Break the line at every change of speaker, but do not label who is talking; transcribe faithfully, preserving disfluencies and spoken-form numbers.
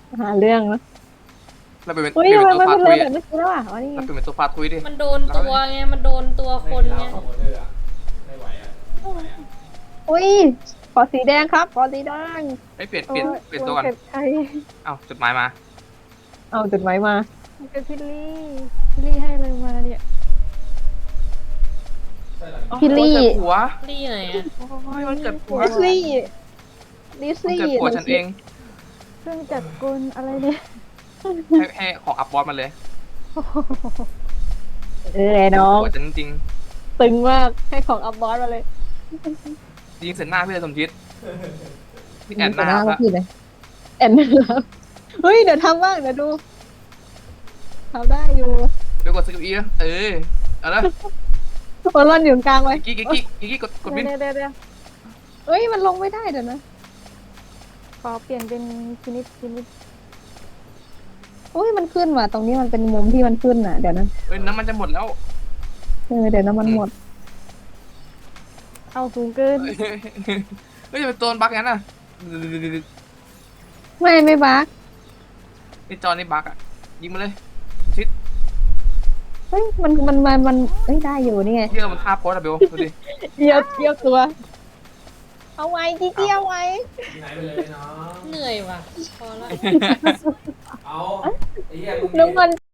หาเรื่องนะ
เราเป็นเป
อุ้ย
ลี่ยน
ทำ
เป็นตัว
ไมมัน
ฟา
เป็น
ทุ
เรื
ย
อแบบ
อ่ะ
เมื่อกี้แล้วอ่ะอ๋อนี่ไง
เราเปลี่ยนเป็นตัวฟาทุยดิ
มันโดนตัวไงมันโดนตัวคนไง
อุ้ยขอสีแดงครับขอสีแดง
ไอ้ยเปลี่ยน
โอ้
เปลี่ยน
ย
เปลี่ยนตัวก่อน
เก็บใคร
เอ้าจดหมายมา
เอาจดหมายมา
มันเป็นพี่ลี่พี่ลี่ให้เลยมาเนี่ย
พี่ลี่
โอ้ยเกิดผัว
รีไหนอ่ะ
โอ้ยมันเกิดผัว
ลิซลี่ลิซ
มัน
ลี่
เกิดผัวฉันเอง
เครื่องจักรกลอะไรเนี่ย
ให้ให้ของอัพบอสมาเลย
เออน้อง
ผัวฉันจริง
ตึงมากให้ของอัพบอสมาเลย
ยิงเสร็จหน้าพี่เลยสมจิตพี่แอนหน้า
พ
ละ
พี่เลยแอนนะครับเฮ้ยเดี๋ยวทำบ้างเดี๋ยวดูทำได้อยู่
เดี๋ยวกดสกิลอีนะเออเอาละ
บอลลอนอยู่กลางไว้
กิ๊กกิ๊กกิ๊กกิ๊กกิ๊กกดกดวิน
เดี๋ยวเดี๋ยวเดี๋ยว
เฮ้ยมันลงไม่ได้เดี๋ยวนะ
ขอเปลี่ยนเป็นพินิจพินิจ
โอ้ยมันขึ้นว่ะตรงนี้มันเป็นมุมที่มันขึ้นน่ะเดี๋ยวนะ
เฮ้ยน้ำมันจะหมดแล้ว
เออเดี๋ยวนะมันหมด
เอาสูงเกิน
เฮ้ยจะเป็นตัวบั๊กงั้นน่ะ
ไม่ไม่บัก
ไอจอนี่บั๊กอ่ะยิงมาเลยชิด
เฮ้ยมันมันมันมันเอ้ยได้อยู่นี่ไง
เที่ยวมันท่าโพสอะเบลดูดิ
เดียวเดียวตัว เอาไว้จีจี้เอาไว้
ไหนไปเลยเนาะ
เหนื่อยว่ะพอละ
เอาไอ้เหี้ยมึง
น้ำมัน